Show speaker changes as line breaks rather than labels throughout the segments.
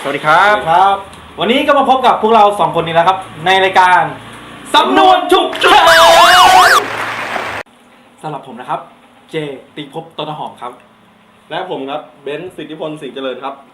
สวัสดีครับ วันนี้ก็มาพบกับพวกเรา2คนนี้แล้วครับในรายการสำนวนฉุกเฉินสำหรับผมนะครับเจตีภพต้นหอมครับ
และผมครับเบนซ์สิทธิพลสิงห์เจริญครับ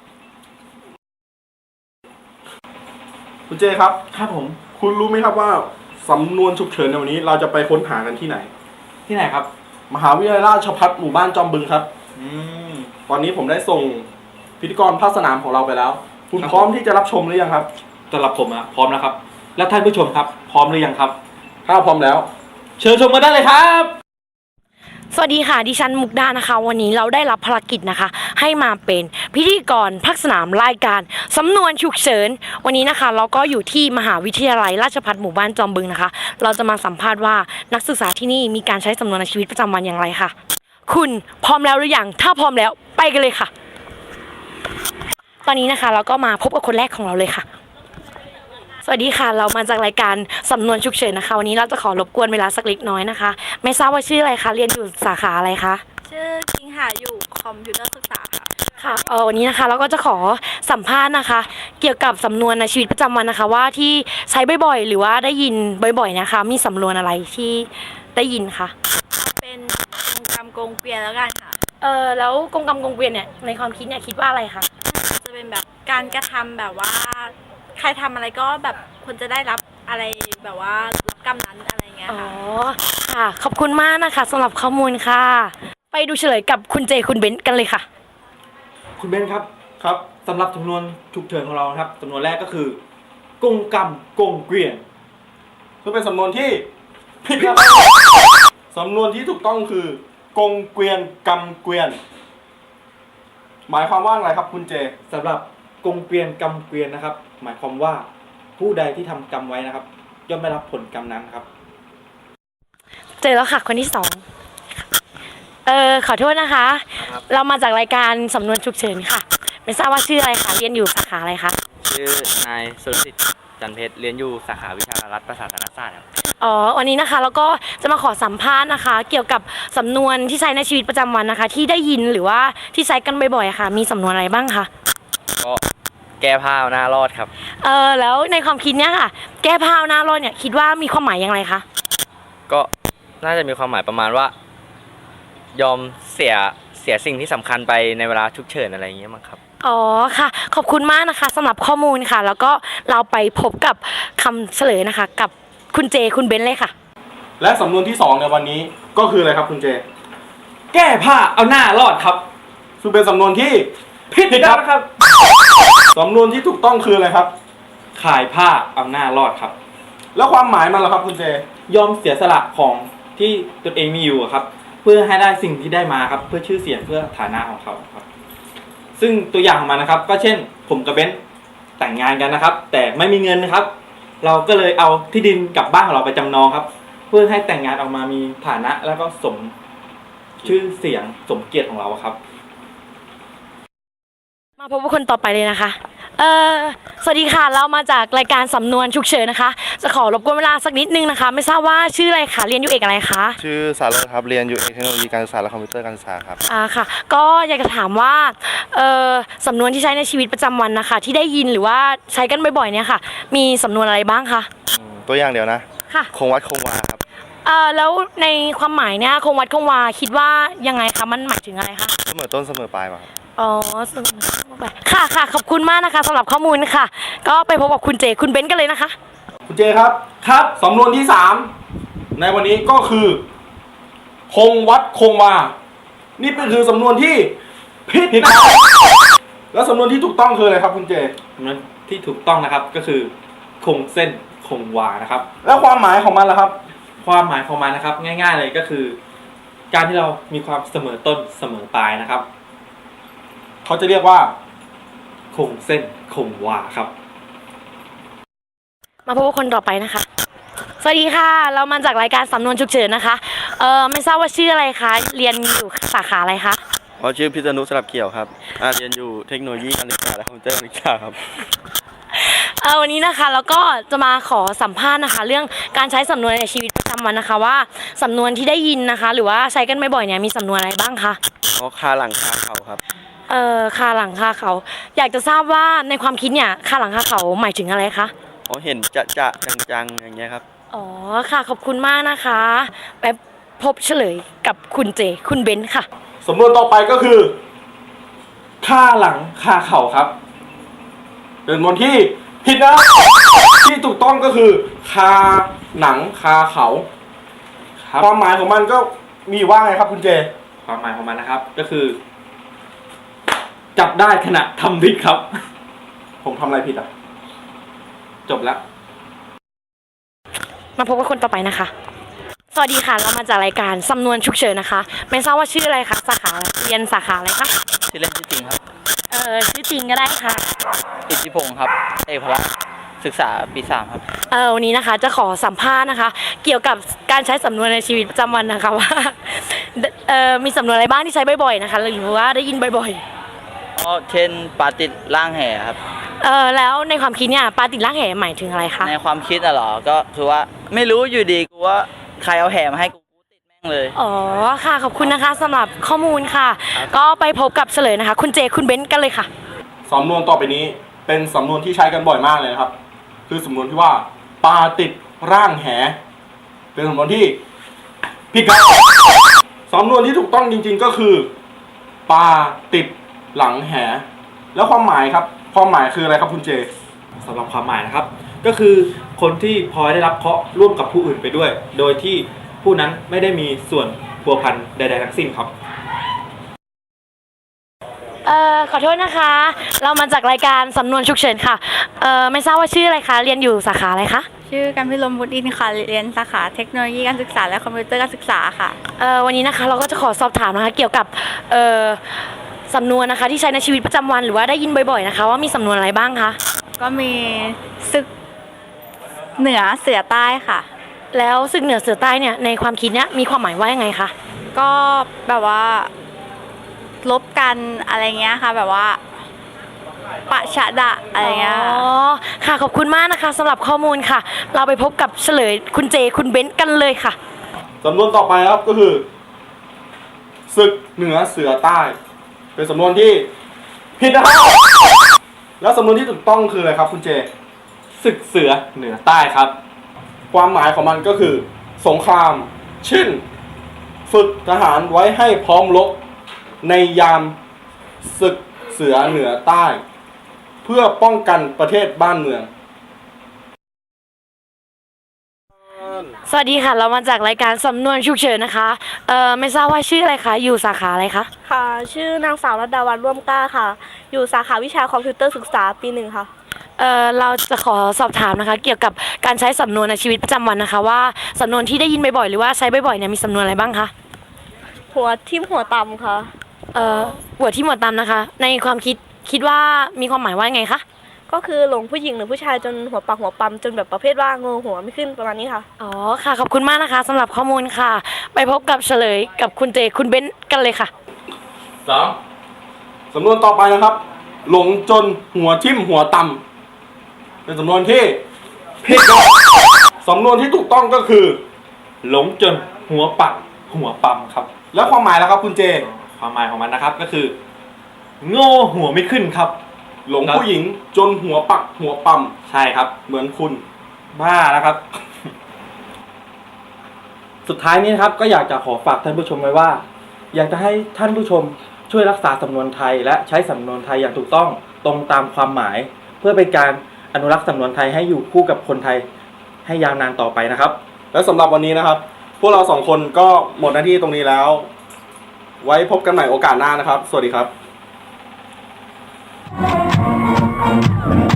คุณเจครับ
ครับผม
คุณรู้ไหมครับว่าสำนวนฉุกเฉินในวันนี้เราจะไปค้นหากันที่ไหน
ที่ไหนครับ
มหาวิทยาลัยราชภัฏหมู่บ้านจอมบึงครับตอนนี้ผมได้ส่งพิธีกรภาคสนามของเราไปแล้วคุณพร้อมที่จะรับชมหรือยังครับ
สำหรับผมพร้อมแล้วครับแล้วท่านผู้ชมครับพร้อมหรือยังครับ
ถ้าพร้อมแล้ว
เชิญชมกันได้เลยครับ
สวัสดีค่ะดิฉันมุกดานะคะวันนี้เราได้รับภารกิจนะคะให้มาเป็นพิธีกรภาคสนามรายการสำนวนฉุกเฉินวันนี้นะคะเราก็อยู่ที่มหาวิทยาลัยราชภัฏหมู่บ้านจอมบึงนะคะเราจะมาสัมภาษณ์ว่านักศึกษาที่นี่มีการใช้สำนวนในชีวิตประจำวันอย่างไรค่ะคุณพร้อมแล้วหรือยังถ้าพร้อมแล้วไปกันเลยค่ะตอนนี้นะคะเราก็มาพบกับคนแรกของเราเลยค่ะสวัสดีค่ะเรามาจากรายการสำนวนฉุกเฉินนะคะวันนี้เราจะขอรบกวนเวลาสักเล็กน้อยนะคะไม่ทราบว่าชื่ออะไรคะเรียนอยู่สาขาอะไรคะ
ชื่อคิงค่ะอยู่คอมพิวเตอร์ศึกษาค่ะ
ค่ะวันนี้นะคะเราก็จะขอสัมภาษณ์นะคะเกี่ยวกับสำนวนในชีวิตประจำวันนะคะว่าที่ใช้บ่อยๆหรือว่าได้ยินบ่อยๆนะคะมีสำนวนอะไรที่ได้ยินคะ
เป็นกงกรรมกงเกวียนแล้วกันค่ะ
แล้วกงกรรมกงเกวียนเนี่ยในความคิดเนี่ยคิดว่าอะไรคะ
จะเป็นแบบการกระทำแบบว่าใครทำอะไรก็แบบควรจะได้รับอะไรแบบว่ารับกรรมนั้นอะไรเงี้ยค่ะ
ค่ะขอบคุณมากนะคะสำหรับข้อมูลค่ะไปดูเฉลยกับคุณเจคุณเบนซ์กันเลยค่ะ
คุณเบนครับ
ครับ
สำหรับสำนวนฉุกเฉินของเราครับสำนวนแรกก็คือกงกรรมกงเกวียน
ซึ่งเป็นสำนวนที่ผิดครับสำนวนที่ถูกต้องคือกงเกวียนกำเกวียนหมายความว่าอะไรครับคุณเจ
สำหรับกงเกวียนกำเกวียนนะครับหมายความว่าผู้ใดที่ทำกรรมไว้นะครับย่อมได้รับผลกรรมนั้นครับ
เจอแล้วค่ะคนที่สองขอโทษนะคะเรามาจากรายการสำนวนฉุกเฉินค่ะไม่ทราบว่าชื่ออะไรคะเรียนอยู่สาขาอะไรคะ
ชื่อนายสุรสิทธิ์จันเพชรเรียนอยู่สาขาวิชารัฐประศาสนศาสตร์ครับ
วันนี้นะคะแล้วก็จะมาขอสัมภาษณ์นะคะเกี่ยวกับสำนวนที่ใช้ในชีวิตประจำวันนะคะที่ได้ยินหรือว่าที่ใช้กันบ่อยๆค่ะมีสำนวนอะไรบ้างคะ
ก็แก้ผ้าหน้ารอดครับ
แล้วในความคิดเนี้ยค่ะแก้ผ้าหน้ารอดเนี่ยคิดว่ามีความหมายอย่างไรคะ
ก็น่าจะมีความหมายประมาณว่ายอมเสียสิ่งที่สำคัญไปในเวลาฉุกเฉินอะไรอย่างเงี้ยมั้งครับ
ค่ะขอบคุณมากนะคะสำหรับข้อมูลค่ะแล้วก็เราไปพบกับคำเฉลยนะคะกับคุณเจคุณเบนซ์เลยค่ะ
และสำนวนที่2ในวันนี้ก็คืออะไรครับคุณเจ
แก้ผ้าเอาหน้ารอดครับ
ซึ่งเป็นสำนวนที่
ผิดครับ
สำนวนที่ถูกต้องคืออะไรครับ
ขายผ้าเอาหน้ารอดครับ
แล้วความหมายมันล่ะครับคุณเจ
ยอมเสียสละของที่ตนเองมีอยู่ครับเพื่อให้ได้สิ่งที่ได้มาครับเพื่อชื่อเสียงเพื่อฐานะของเขาครับซึ่งตัวอย่างของมันนะครับก็เช่นผมกับเบนซ์แต่งงานกันนะครับแต่ไม่มีเงินนะครับเราก็เลยเอาที่ดินกับบ้านของเราไปจำนองครับเพื่อให้แต่งงานออกมามีฐานะแล้วก็สมชื่อเสียงสมเกียรติของเราครับ
มาพบกับคนต่อไปเลยนะคะสวัสดีค่ะเรามาจากรายการสำนวนฉุกเฉินนะคะจะขอรบกวนเวลาสักนิดนึงนะคะไม่ทราบว่าชื่ออะไรคะเรียนอยู่เอกอะไรคะ
ชื่อสารสครับเรียนอยู่เทคโนโลยีการศึกษาและคอมพิวเตอร์การศึกษาครับ
ค่ะก็อยากจะถามว่าสำนวนที่ใช้ในชีวิตประจำวันนะคะที่ได้ยินหรือว่าใช้กันบ่อยๆเนี่ยค่ะมีสำนวนอะไรบ้างคะ
ตัวอย่างเดียวนะ
ค่ะ
คงวัดคงวาครับ
แล้วในความหมายเนี่ยคงวัดคงวาคิดว่ายังไงคะมันหมายถึงอะไรคะ
เสมอต้นเสมอปลายมา
ค่ะขอบคุณมากนะคะสำหรับข้อมูลค่ะก็ไปพบกับคุณเจคุณเบนซ์กันเลยนะคะ
คุณเจครับสำนวนที่3ในวันนี้ก็คือคงวัดคงวานี่เป็นคือสำนวนที่ผิดครับแล้วสำนวนที่ถูกต้องคืออะไรครับคุณเจ
สำนวนที่ถูกต้องนะครับก็คือคงเส้นคงวานะครับ
แล้วความหมายของมันล่ะครับ
ความหมายของมันนะครับง่ายๆเลยก็คือการที่เรามีความเสมอต้นเสมอปลายนะครับ
เขาจะเรียกว่า
คงเส้นคงวาครับ
มาพบกับคนต่อไปนะคะสวัสดีค่ะเรามาจากรายการสำนวนฉุกเฉินนะคะไม่ทราบว่าชื่ออะไรคะเรียนอยู่สาขาอะไรคะ
ชื่อพิษณุสลับเกี่ยวครับเรียนอยู่เทคโนโลยีการศึกษาและคอมพิวเตอร์การศึกษาครับ
วันนี้นะคะแล้วก็จะมาขอสัมภาษณ์นะคะเรื่องการใช้สำนวนในชีวิตประจำวันนะคะว่าสำนวนที่ได้ยินนะคะหรือว่าใช้กันบ่อยๆเนี่ยมีสำนวนอะไรบ้างคะ
คาหลังคาเขาครับ
คาหลังคาเขา อยากจะทราบว่าในความคิดเนี่ยคาหลังคาเขาหมายถึงอะไรคะ
อ๋อเห็นจะจังๆอย่างเงี้ยครับ
อ๋อค่ะขอบคุณมากนะคะไปพบเฉลยกับคุณเจคุณเบนซ์ค่ะ
สำนวนต่อไปก็คือ
ค่าหลังคาเข่าครับ
เป็นสำนวนที่ผิดนะ ที่ถูกต้องก็คือ คาหนังคาเขา
ครับ
ความหมายของมันก็มีว่าไงครับคุณเจ
ความหมายของมันนะครับ ก็คือ จับได้ขณะทำผิดครับ
ผมทำอะไรผิดอ่ะ
จบแล้ว
มาพบกับคนต่อไปนะคะ สวัสดีค่ะ เรามาจากรายการสำนวนฉุกเฉินนะคะ ไม่ทราบว่าชื่ออะไรคะ สาขาอะไรเรียนสาขาอะไรคะ
ชื่อเล่นชื่อจริงครับ
ชื่อจริงก็ได้ค่ะ
อิทธิพงศ์ครับ เอกพละศึกษาปี3ครับ
วันนี้นะคะจะขอสัมภาษณ์นะคะ เกี่ยวกับการใช้สำนวนในชีวิตประจำวันนะคะว่า มีสำนวนอะไรบ้างที่ใช้บ่อยๆนะคะ หรือว่าได้ยินบ่อย
ก็เช่นปลาติดล่างแห่ครับ
ๆแล้วในความคิดเนี่ยปลาติดล่างแหหมายถึงอะไรคะ
ในความคิดอะเหรอ ก็คือว่าไม่รู้อยู่ดีกูว่าใครเอาแห่มาให้กูติดแม่งเลย
อ๋อค่ะขอบคุณนะคะสำหรับข้อมูลค่ะ ก็ไปพบกับเฉลยนะคะ คุณเจคุณเบนซ์กันเลยค่ะ
สำนวนต่อไปนี้เป็นสำนวนที่ใช้กันบ่อยมากเลยนะครับ คือสำนวนที่ว่าปลาติดร่างแห เป็นสำนวนที่ผิดครับสำนวนที่ถูกต้องจริงๆก็คือปลาติดหลังแห แล้วความหมายครับ ความหมายคืออะไรครับคุณเจ
สำหรับความหมายนะครับ ก็คือคนที่พลอยได้รับเคราะห์ร่วมกับผู้อื่นไปด้วย โดยที่ผู้นั้นไม่ได้มีส่วนพัวพันใดๆทั้งสิ้นครับ
ขอโทษนะคะ เรามาจากรายการสำนวนฉุกเฉินค่ะ ไม่ทราบว่าชื่ออะไรคะ เรียนอยู่สาขาอะไรคะ
ชื่อกันพิรมบุตรอินทร์ค่ะ เรียนสาขาเทคโนโลยีการศึกษาและคอมพิวเตอร์การศึกษาค่ะ
วันนี้นะคะเราก็จะขอสอบถามนะคะเกี่ยวกับสำนวนนะคะที่ใช้ในชีวิตประจำวันหรือว่าได้ยินบ่อยๆนะคะว่ามีสำนวนอะไรบ้างคะ
ก็มีศึกเหนือเสือใต้ค่ะ
แล้วศึกเหนือเสือใต้เนี่ยในความคิดเนี่ยมีความหมายว่ายังไงคะ
ก็แบบว่าลบกันอะไรเงี้ยค่ะ แบบว่าปะชะดะอะไรเงี้ย
อ๋อค่ะขอบคุณมากนะคะสำหรับข้อมูลค่ะ เราไปพบกับเฉลยคุณเจคุณเบนซ์กันเลยค่ะ
สำนวนต่อไปครับก็คือศึกเหนือเสือใต้ เป็นสำนวนที่ผิดนะครับ แล้วสำนวนที่ถูกต้องคืออะไรครับคุณเจ
ศึกเสือเหนือใต้ครับ
ความหมายของมันก็คือสงครามเช่นฝึกทหารไว้ให้พร้อมรบในยามศึกเสือเหนือใต้ เพื่อป้องกันประเทศบ้านเมือง
สวัสดีค่ะ เรามาจากรายการสำนวนฉุกเฉินนะคะ ไม่ทราบว่าชื่ออะไรคะ อยู่สาขาอะไรคะ
ค่ะ ชื่อนางสาวรัตดาวันร่วมกล้าค่ะ อยู่สาขาวิชาคอมพิวเตอร์ศึกษาปี1ค่ะ
เราจะขอสอบถามนะคะ เกี่ยวกับการใช้สำนวนในชีวิตประจำวันนะคะว่าสำนวนที่ได้ยินบ่อยๆหรือว่าใช้บ่อยๆเนี่ยมีสำนวนอะไรบ้างคะ
หัวทิ่มหัวตำค่ะ
หัวที่หมวดตามนะคะ ในความคิดว่ามีความหมายว่าไงคะ
ก็คือหลงผู้หญิงหรือผู้ชายจนหัวปักหัวปั๊มจนแบบประเภทว่าเงอหัวไม่ขึ้นประมาณนี้ค่ะ
อ๋อค่ะขอบคุณมากนะคะสำหรับข้อมูลค่ะ ไปพบกับเฉลยกับคุณเจคุณเบนซ์กันเลยค่ะ
สำนวนต่อไปนะครับ หลงจนหัวทิ่มหัวต่ำเป็นสำนวนที่ผิดครับสำนวนที่ถูกต้องก็คือ
หลงจนหัวปักหัวปั๊มครับ
แล้วความหมายแล้วครับคุณเจ
ความหมายของมันนะครับก็คือ โง่หัวไม่ขึ้นครับ
หลงผู้หญิงจนหัวปักหัวปั๊ม
ใช่ครับ
เหมือนคุณ
บ้าแล้วครับ สุดท้ายนี้นะครับก็อยากจะขอฝากท่านผู้ชมไว้ว่า อยากจะให้ท่านผู้ชมช่วยรักษาสำนวนไทย และใช้สำนวนไทยอย่างถูกต้องตรงตามความหมาย เพื่อเป็นการอนุรักษ์สำนวนไทยให้อยู่คู่กับคนไทยให้ยาวนานต่อไปนะครับ
และสำหรับวันนี้นะครับ พวกเราสองคนก็หมดหน้าที่ตรงนี้แล้ว ไว้พบกันใหม่โอกาสหน้านะครับ สวัสดีครับ